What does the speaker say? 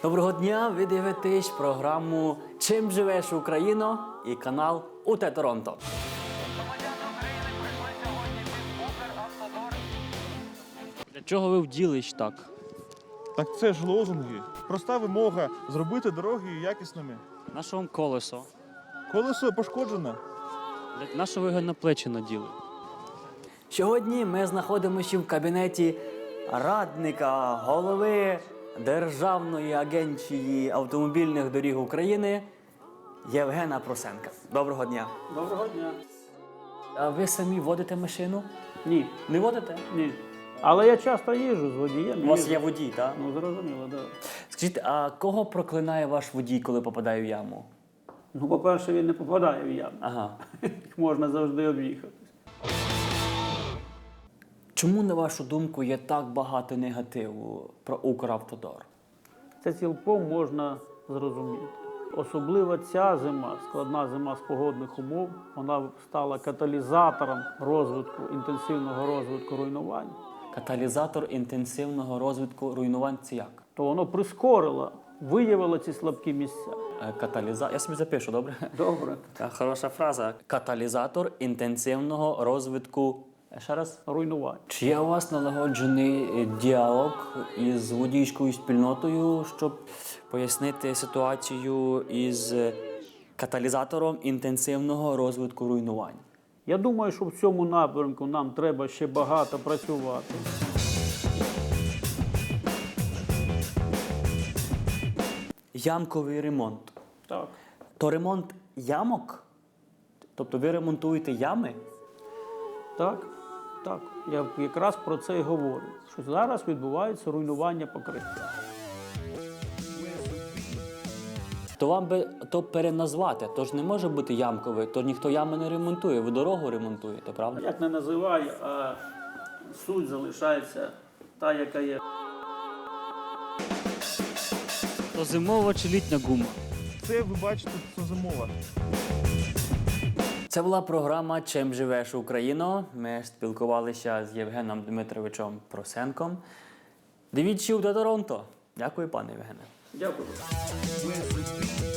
Доброго дня! Ви дивитесь програму «Чим живеш, Україно» і канал УТ Торонто. Для чого ви вділись так? Так це ж лозунги. Проста вимога зробити дороги якісними. На що вам колесо? Колесо пошкоджене. На що ви його на плечі наділи? Сьогодні ми знаходимося в кабінеті радника голови Державної агенції автомобільних доріг України Євгена Просенка. Доброго дня. Доброго дня. А ви самі водите машину? Ні, Не водите? ні. Але я часто їжджу з водієм. У вас їжджу. є водій, так? Ну, зрозуміло, так. Скажіть, а кого проклинає ваш водій, коли попадає в яму? Ну, по-перше, він не попадає в яму. Ага. Їх можна завжди об'їхати. Чому, на вашу думку, є так багато негативу про Укравтодор? Це цілком можна зрозуміти. Особливо ця зима, складна зима з погодних умов, вона стала каталізатором розвитку, інтенсивного розвитку руйнувань. Каталізатор інтенсивного розвитку руйнувань – це як? То воно прискорило, виявило ці слабкі місця. Я собі запишу, добре? Добре. Хороша фраза. Каталізатор інтенсивного розвитку. Ще раз. Руйнувань. Чи є у вас налагоджений діалог із водійською спільнотою, щоб пояснити ситуацію із каталізатором інтенсивного розвитку руйнувань? Я думаю, що в цьому напрямку нам треба ще багато працювати. Ямковий ремонт. Так. То ремонт ямок? Тобто ви ремонтуєте ями? Так, так. Я якраз про це і говорю. Що зараз відбувається руйнування покриття. То вам би то переназвати, то ж не може бути ямковий, то ніхто ями не ремонтує, ви дорогу ремонтуєте, правда? Як не називаю, а суть залишається та, яка є. То зимова чи літня гума? Це, ви бачите, це зимова. Це була програма «Чим живеш, Україно». Ми спілкувалися з Євгеном Дмитровичем Просенком. Дивіться УТ Торонто. Дякую, пане Євгене. Дякую.